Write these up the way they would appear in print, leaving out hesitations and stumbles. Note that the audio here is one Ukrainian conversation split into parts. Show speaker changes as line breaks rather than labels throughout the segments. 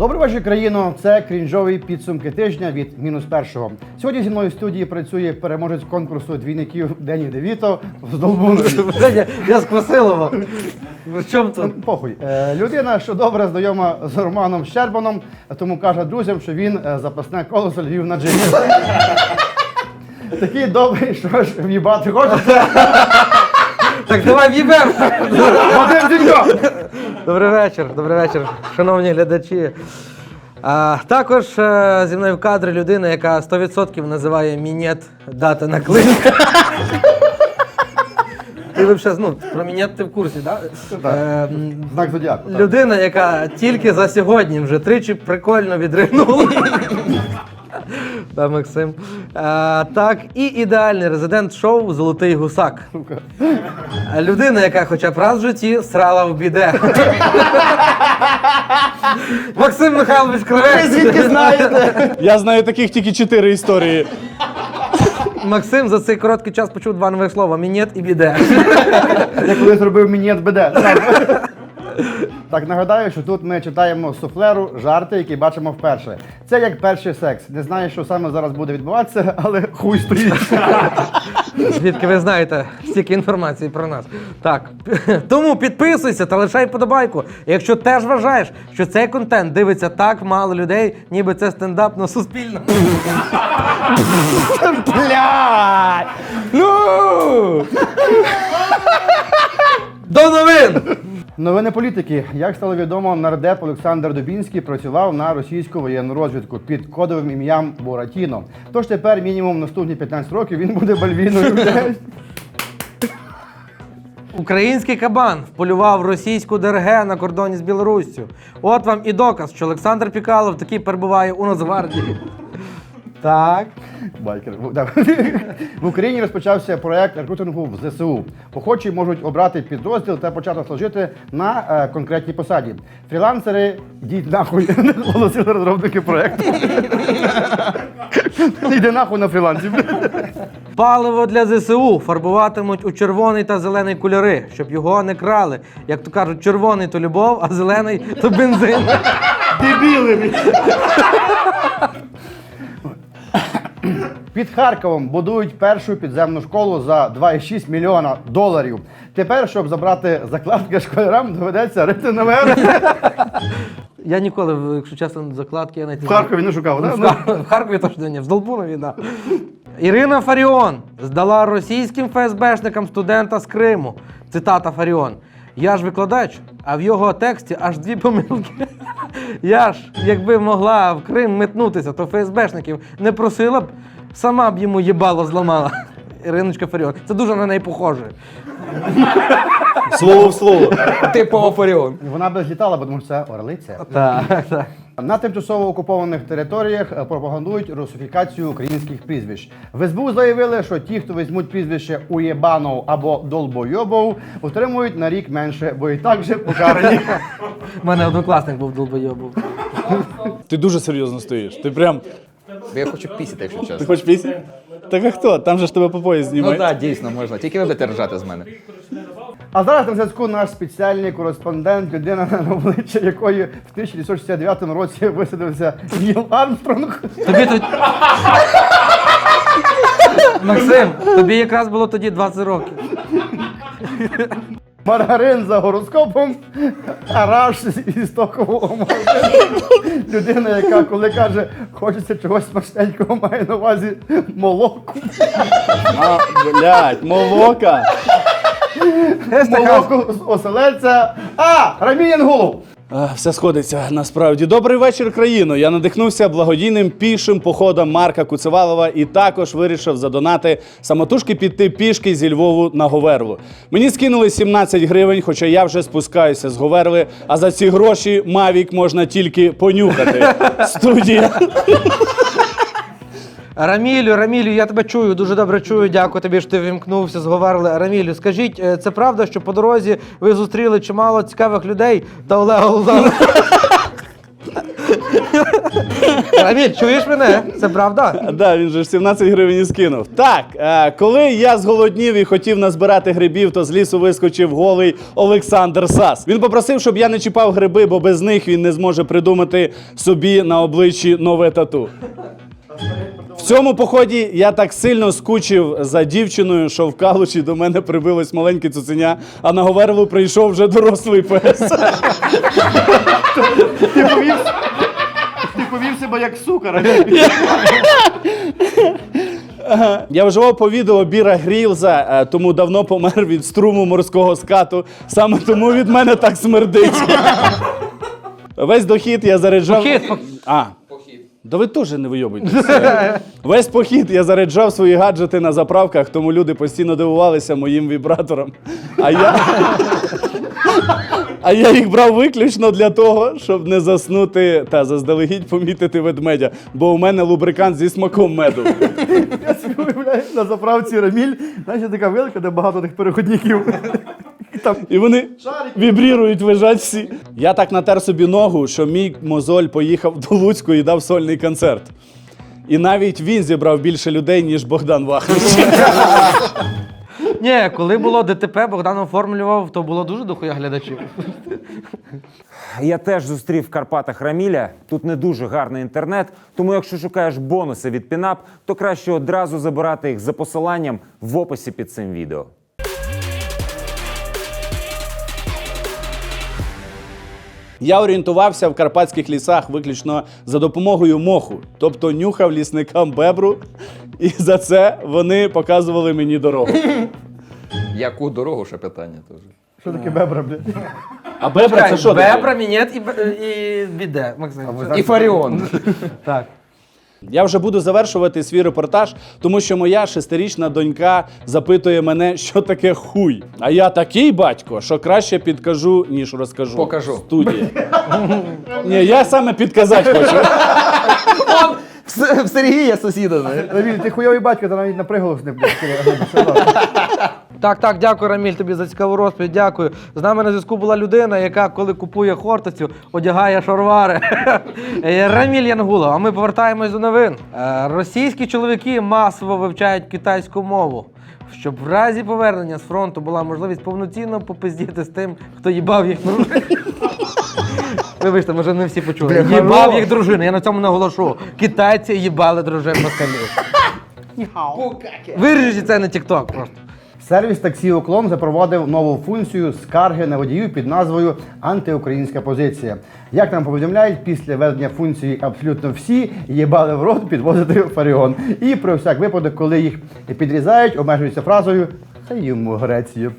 Добрий вечір, країно. Це крінжові підсумки тижня від «Мінус-1». Сьогодні зі мною в студії працює переможець конкурсу двійників Дені Девіто з Долбунові.
Я з Квасилова. В чому тут?
Похуй. Людина, що добре знайома з Романом Щербаном, тому каже друзям, що він запасне колесо Львів на джині. Такий добрий, що ж в'їбати хочеться.
Так давай в'їбемо!
Вадим Дзінько!
Добрий вечір, шановні глядачі. Також зі мною в кадрі людина, яка 100% називає мінет дати на клин. Ти взагалі, про мінет ти в курсі, так?
Знак зодіаку.
Людина, яка тільки за сьогодні вже тричі прикольно відригнула. Так, Максим. Так, і ідеальний резидент шоу «Золотий гусак». Людина, яка хоча б раз в житті срала в біде. Максим Михайлович Кривець.
Ви звідки знаєте?
Я знаю таких тільки 4 історії.
Максим за цей короткий час почув 2 нових слова: мінет і біде.
Я коли зробив мінет БД. Так, нагадаю, що тут ми читаємо суфлеру жарти, які бачимо вперше. Це як перший секс. Не знаю, що саме зараз буде відбуватися, але хуй стоїть.
Звідки ви знаєте стільки інформації про нас. Так, тому підписуйся та лишай вподобайку. Якщо теж вважаєш, що цей контент дивиться так мало людей, ніби це стендап на Суспільному.
Блядь! Ну!
До новин!
Новини політики. Як стало відомо, нардеп Олександр Дубінський працював на російську воєнну розвідку під кодовим ім'ям Буратіно. Тож тепер мінімум наступні 15 років він буде бальвіною.
Український кабан вполював російську ДРГ на кордоні з Білоруссю. От вам і доказ, що Олександр Пікалов таки перебуває у Нацгвардії. Так.
Байкер. В Україні розпочався проєкт рекрутингу в ЗСУ. Охочі можуть обрати підрозділ та почати служити на конкретній посаді. Фрілансери, йдіть нахуй, оголосили розробники проєкту. Йди нахуй на фрілансі.
Паливо для ЗСУ фарбуватимуть у червоний та зелений кольори, щоб його не крали. Як то кажуть, червоний – то любов, а зелений – то бензин.
Дебіли! Під Харковом будують першу підземну школу за $2,6 мільйона. Тепер, щоб забрати закладки школярам, доведеться рити наверх.
Я ніколи, якщо чесно, закладки я навіть
В Харкові не шукав, так?
В Харкові точно ні, в Здолбунові, так. Ірина Фаріон здала російським ФСБшникам студента з Криму. Цитата Фаріон. «Я ж викладач, а в його тексті аж 2 помилки. Я ж, якби могла в Крим метнутися, то ФСБшників не просила б, сама б йому їбало зламала». Іриночка Фаріон. Це дуже на неї похоже.
Слово в слово.
Типова Фаріон.
Вона би злітала, бо тому що це орлиця.
Так, так.
На тимчасово окупованих територіях пропагандують русифікацію українських прізвищ. В СБУ заявили, що ті, хто візьмуть прізвище Уєбанов або Долбойобов, отримують на рік менше, бо і так же покарані.
У мене однокласник був долбойобов.
Ти дуже серйозно стоїш. Ти прям.
Я хочу пісяти, якщо
Ти
чесно.
хочеш пісні? Так а хто? Там же ж тебе по пояс
Ну
знімають.
так, дійсно можна. Тільки ви будете ржати з мене.
А зараз на зв'язку наш спеціальний кореспондент, людина, на обличчя якої в 1969 році висадився Ніл Армстронг.
Тобі тут... Максим, тобі якраз було тоді 20 років.
Маргарин за гороскопом, Араш із токового магазину. Людина, яка коли каже, хочеться чогось смачненького, має на увазі молоко.
А, блядь, молока.
Молоко з оселедця. Рамій Янгулов.
Все сходиться насправді. Добрий вечір, країно. Я надихнувся благодійним пішим походом Марка Куцевалова і також вирішив задонати самотужки піти пішки зі Львову на Говерлу. Мені скинули 17 гривень, хоча я вже спускаюся з Говерли, а за ці гроші Мавік можна тільки понюхати. Студія.
Рамілю, я тебе чую, дуже добре чую, дякую тобі, що ти вімкнувся, зговорили. Рамілю, скажіть, це правда, що по дорозі ви зустріли чимало цікавих людей та Олега Лузана? Раміль, чуєш мене? Це правда?
Да, він же ж 17 гривень і скинув. Так, коли я зголоднів і хотів назбирати грибів, то з лісу вискочив голий Олександр Сас. Він попросив, щоб я не чіпав гриби, бо без них він не зможе придумати собі на обличчі нове тату. В цьому поході я так сильно скучив за дівчиною, що в Калуші до мене прибилось маленьке цуценя, а на Говерлу прийшов вже дорослий пес.
Ти повів себе як сука.
Я вживав по відео Біра Грілза, тому давно помер від струму морського скату. Саме тому від мене так смердить. Весь дохід я заряджав... Да ви теж не вийобуйтеся. Весь похід я заряджав свої гаджети на заправках, тому люди постійно дивувалися моїм вібраторам. А я їх брав виключно для того, щоб не заснути та заздалегідь помітити ведмедя, бо у мене лубрикант зі смаком меду.
Я собі уявляю, на заправці Раміль, знаєш, така вилка, де багато тих переходників.
І вони вібрірують, лежать всі. Я так натер собі ногу, що мій мозоль поїхав до Луцьку і дав сольний концерт. І навіть він зібрав більше людей, ніж Богдан Вахнич.
Ні, коли було ДТП, Богдан оформлював, то було дуже дохуя глядачів.
Я теж зустрів в Карпатах Раміля. Тут не дуже гарний інтернет, тому якщо шукаєш бонуси від Пінап, то краще одразу забирати їх за посиланням в описі під цим відео.
Я орієнтувався в карпатських лісах виключно за допомогою моху, тобто нюхав лісникам бебру, і за це вони показували мені дорогу.
Яку дорогу, ще питання теж.
Що таке бебра, блядь?
А бебра це що таке?
Бебра, мінет і біде, Максим.
І Фаріон.
Так.
Я вже буду завершувати свій репортаж, тому що моя 6-річна донька запитує мене, що таке хуй. А я такий батько, що краще підкажу, ніж розкажу.
Покажу.
Студія. Ні, я саме підказати хочу.
В Сергія сусіда, знаєш.
Раміль, ти хуйовий батько, ти навіть на приголос не блядь.
Так, дякую, Раміль, тобі за цікаву розповідь, дякую. З нами на зв'язку була людина, яка, коли купує хортицю, одягає шаровари. Раміль Янгулов, а ми повертаємось до новин. Російські чоловіки масово вивчають китайську мову, щоб в разі повернення з фронту була можливість повноцінно попиздіти з тим, хто їбав їх дружини. Вибачте, може не всі почули. Їбав їх дружини, я на цьому наголошу. Китайці їбали дружин москалів. Виріжіть це на TikTok просто.
Сервіс таксі «Уклон» запровадив нову функцію скарги на водіїв під назвою «Антиукраїнська позиція». Як нам повідомляють, після введення функції абсолютно всі їбали в рот підвозити Фаріон. І про всяк випадок, коли їх підрізають, обмежуються фразою «Хай йому Греція».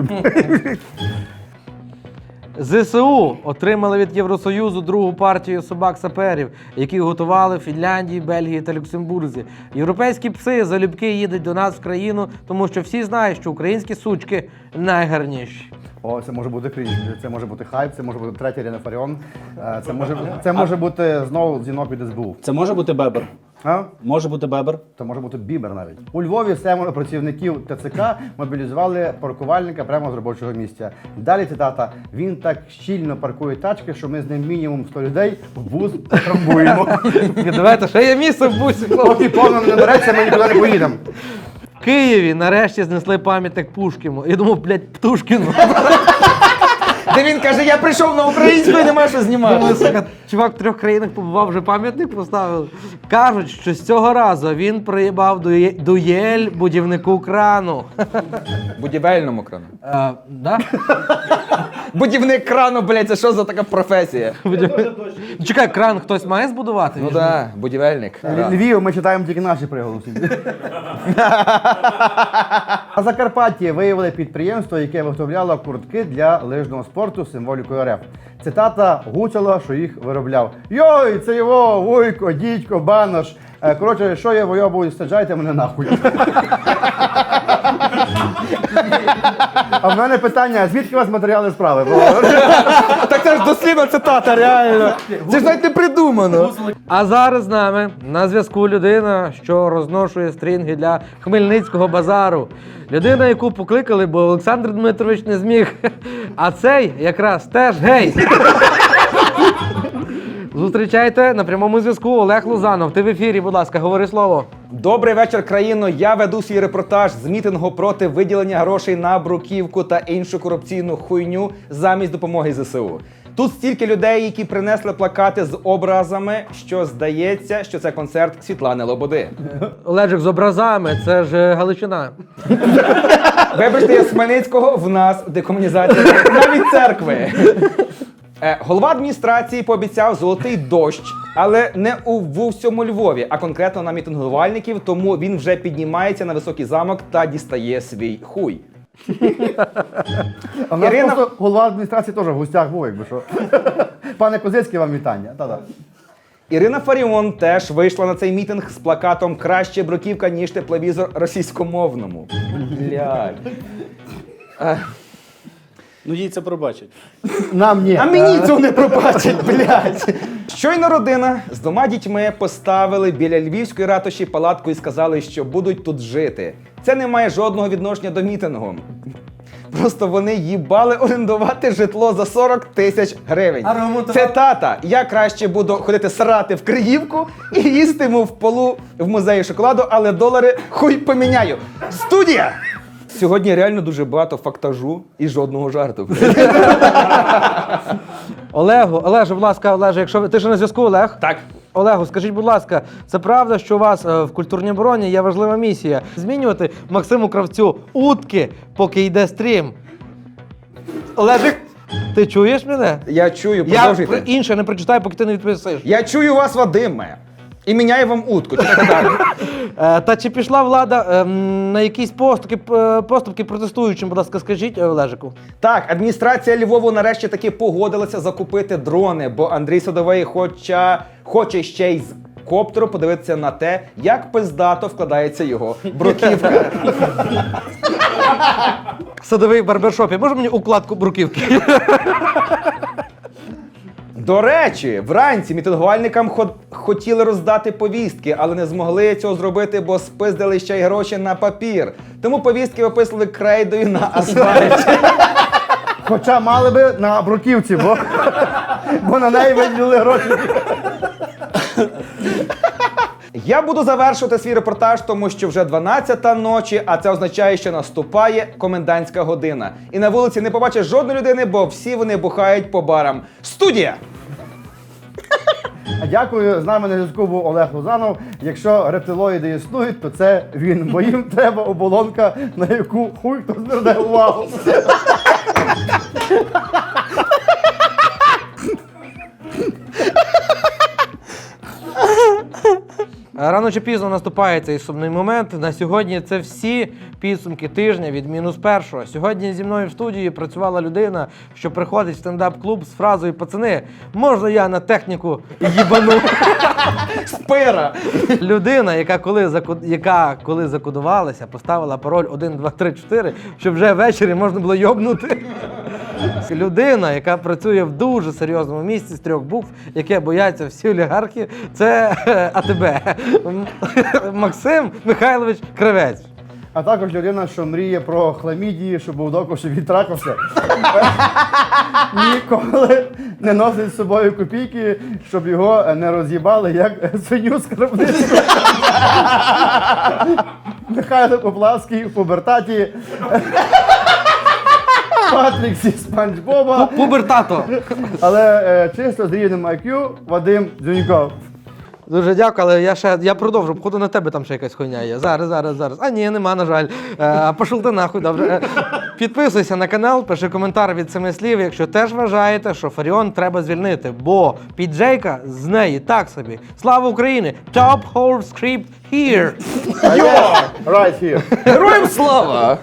ЗСУ отримали від Євросоюзу другу партію собак-саперів, які готували в Фінляндії, Бельгії та Люксембурзі. Європейські пси залюбки їдуть до нас в країну, тому що всі знають, що українські сучки найгарніші.
О, це може бути крінж, це може бути хайп, це може бути третя Ірина Фаріон, це може бути знову дзвінок від СБУ.
Це може бути бебер?
А?
Може бути бебер?
Це може бути бібер навіть. У Львові 7 працівників ТЦК мобілізували паркувальника прямо з робочого місця. Далі цитата: «Він так щільно паркує тачки, що ми з ним мінімум 100 людей в бус трамбуємо».
Давайте, ще є місце в бусі, хлопці.
Поки повно не набереться, ми нікуди не поїдемо.
В Києві нарешті знесли пам'ятник Пушкіну. Я думав, блядь, Птушкіну.
Де він каже, я прийшов на українську і нема що знімати.
Думаю, сука, чувак в 3 країнах побував, вже пам'ятник поставив. Кажуть, що з цього разу він приїбав дуель будівнику крану.
Будівельному крану.
Да?
Будівник крану, блядь, це що за така професія?
Чекай, кран хтось має збудувати?
Ну так, будівельник.
Львів, ми читаємо тільки наші приголосні. На Закарпатті виявили підприємство, яке виготовляло куртки для лижного спорту з символікою РФ. Цитата Гуцула, що їх виробляв. «Йой, це його, вуйко, дідько, банош. Коротше, що я войобую, саджайте мене нахуй». А в мене питання, а звідки у вас матеріали справи?
Так це ж дослідна цитата, реально. Це ж навіть не придумано.
А зараз з нами на зв'язку людина, що розношує стрінги для Хмельницького базару. Людина, яку покликали, бо Олександр Дмитрович не зміг. А цей якраз теж гей. Зустрічайте на прямому зв'язку Олег Лузанов. Ти в ефірі, будь ласка, говори слово.
Добрий вечір, країно. Я веду свій репортаж з мітингу проти виділення грошей на бруківку та іншу корупційну хуйню замість допомоги ЗСУ. Тут стільки людей, які принесли плакати з образами, що здається, що це концерт Світлани Лободи.
Олежик з образами, це ж Галичина.
Вибачте, я з Хмельницького, в нас декомунізація навіть церкви. Голова адміністрації пообіцяв золотий дощ, але не у всьому Львові, а конкретно на мітингувальників, тому він вже піднімається на високий замок та дістає свій хуй.
А в нас
Ірина-
просто голова адміністрації теж в гостях був, якби що. Пане Козицький, вам вітання. Та-да.
Ірина Фаріон теж вийшла на цей мітинг з плакатом «Краще бруківка, ніж тепловізор російськомовному». Блядь.
Ну їй це пробачать.
Нам ні.
А мені цього не пробачать, блядь. Щойно родина з 2 дітьми поставили біля львівської ратуші палатку і сказали, що будуть тут жити. Це не має жодного відношення до мітингу. Просто вони їбали орендувати житло за 40 тисяч гривень. Це тата. Я краще буду ходити срати в Криївку і їстиму в полу в музеї шоколаду, але долари хуй поміняю. Студія! Сьогодні реально дуже багато фактажу і жодного жарту.
Олеже, будь ласка, Олеже, якщо ти ж на зв'язку, Олег?
Так.
Олегу, скажіть, будь ласка, це правда, що у вас в культурній обороні є важлива місія змінювати Максиму Кравцю утки, поки йде стрім? Олежик, ти чуєш мене?
Я чую,
Я
продовжуйте.
інше не прочитаю, поки ти не відповісиш.
Я чую вас, Вадиме. І міняю вам утку. Читайте далі.
Та чи пішла влада на якісь поступки протестуючим, будь ласка, скажіть, Олежику?
Так, адміністрація Львову нарешті таки погодилася закупити дрони, бо Андрій Садовий хоче ще й з коптеру подивитися на те, як пиздато вкладається його бруківка.
Садовий в барбершопі. Може мені укладку бруківки?
До речі, вранці мітингувальникам хотіли роздати повістки, але не змогли цього зробити, бо спиздили ще й гроші на папір. Тому повістки виписали крейдою на асфальті.
Хоча мали би на бруківці, бо на неї виділили гроші.
Я буду завершувати свій репортаж, тому що вже 12-та ночі, а це означає, що наступає комендантська година. І на вулиці не побачиш жодної людини, бо всі вони бухають по барам. Студія!
Дякую, з нами на зв'язку був Олег Лузанов. Якщо рептилоїди існують, то це він. Бо їм треба оболонка, на яку хуй хто зверне увагу.
Рано чи пізно наступає цей сумний момент. На сьогодні це всі підсумки тижня від -1. Сьогодні зі мною в студії працювала людина, що приходить в стендап-клуб з фразою «Пацани, можна я на техніку їбану?»
Спира!
Людина, яка коли закодувалася, поставила пароль 1, 2, 3, 4, щоб вже ввечері можна було йобнути. Людина, яка працює в дуже серйозному місці з 3 букв, яке бояться всі олігархи, це АТБ. Максим Михайлович Кравець.
А також людина, що мріє про хламідії, щоб був доков, щоб він трахався. Ніколи не носить з собою копійки, щоб його не роз'їбали, як свиню з кропницю. Михайло Поплавський в пубертаті. Патрік зі Спанч Боба.
Пубертато.
Але чисто з рівнем IQ Вадим Дзюньков.
Дуже дякую, але я продовжу. Походу на тебе там ще якась хуйня є. Зараз. А ні, нема, на жаль. Пошов ти нахуй, добре. Підписуйся на канал, пиши коментар від 7 слів, якщо теж вважаєте, що Фаріон треба звільнити, бо піджейка з неї так собі. Слава Україні! Top whole script here!
Right here.
Героям слава!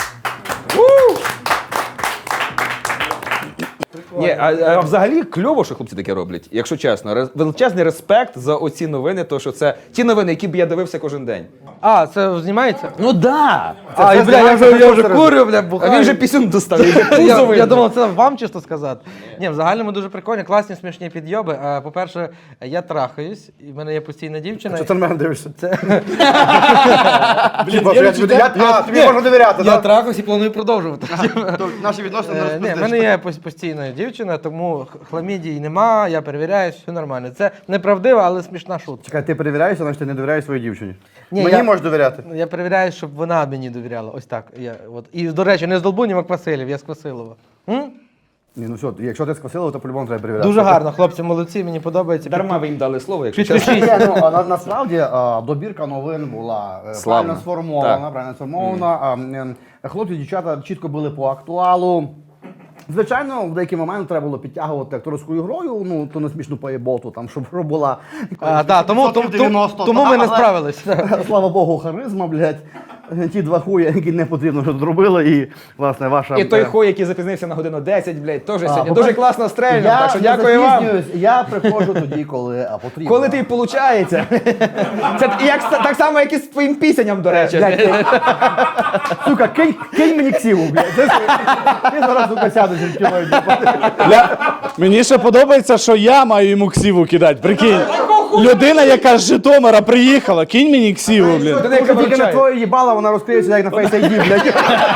Ні, а взагалі кльово, що хлопці таке роблять, якщо чесно. Величезний респект за оці новини, то що це ті новини, які б я дивився кожен день.
А, це знімається?
Ну да!
А, бля, я вже курю, бля,
А
бухаю.
він же пісюн достав, він же пузо
Я
видно.
думав, це вам чисто сказати. Ні, в загальному дуже прикольні, класні, смішні підйоби. По-перше, я трахаюсь, і в мене є постійна дівчина.
Що ти на мене дивишся?
Це...
Тобі можна довіряти,
Я
так?
трахаюсь і планую продовжувати.
Наші відносини не
Ні, в мене є постійна дівчина, тому хламідії нема, я перевіряю, все нормально. Це неправдива, але смішна шутка.
Чекай, ти перевіряєшся, значить ти не довіряєш своїй дівчині.
Ні,
Мені
я-
можеш довіряти.
Я перевіряю, щоб вона мені довіряла. Ось так. І, до речі, не з Долбунів, а Квасилів, я з Квасилова.
Ні, ну все, якщо ти з Квасилова, то по-любому треба перевіряти.
Дуже гарно, хлопці, молодці, мені подобається.
Дарма ви їм дали слово, якщо чесно.
Підпишіть.
Ні, ну, насправді добірка новин була
Славна.
правильно сформована. Хлопці і дівчата чітко були по актуалу. Звичайно, в деякі моменти треба було підтягувати акторською грою, ну, то не смішну поєботу, там, щоб була...
Тому ми не справились.
Слава Богу, харизма, блядь. Ті два хуя, які не потрібно, що зробили, і, власне, ваша...
І той хой, який запізнився на годину 10, блядь, теж сьогодні
по-перше,
дуже класно стрельнув,
я
так що
не
дякую вам.
запізнююсь, я приходжу тоді, коли потрібно.
Коли ти виходить. Це так само, як і з твоїм пісенням, до речі.
Сука, кинь мені ксиву, блядь. Ти зараз, сука, сядеш і кілою.
Мені ще подобається, що я маю йому ксіву кидати. Прикинь, людина, яка з Житомира приїхала, кинь мені ксіву, блін.
Людина, яка
Тільки на
виручає.
твоє їбало, вона розкриється, як на Face ID, блядь.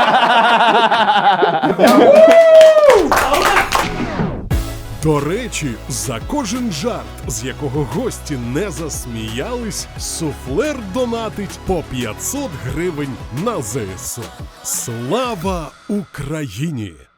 До речі, за кожен жарт, з якого гості не засміялись, суфлер донатить по 500 гривень на ЗСУ. Слава Україні!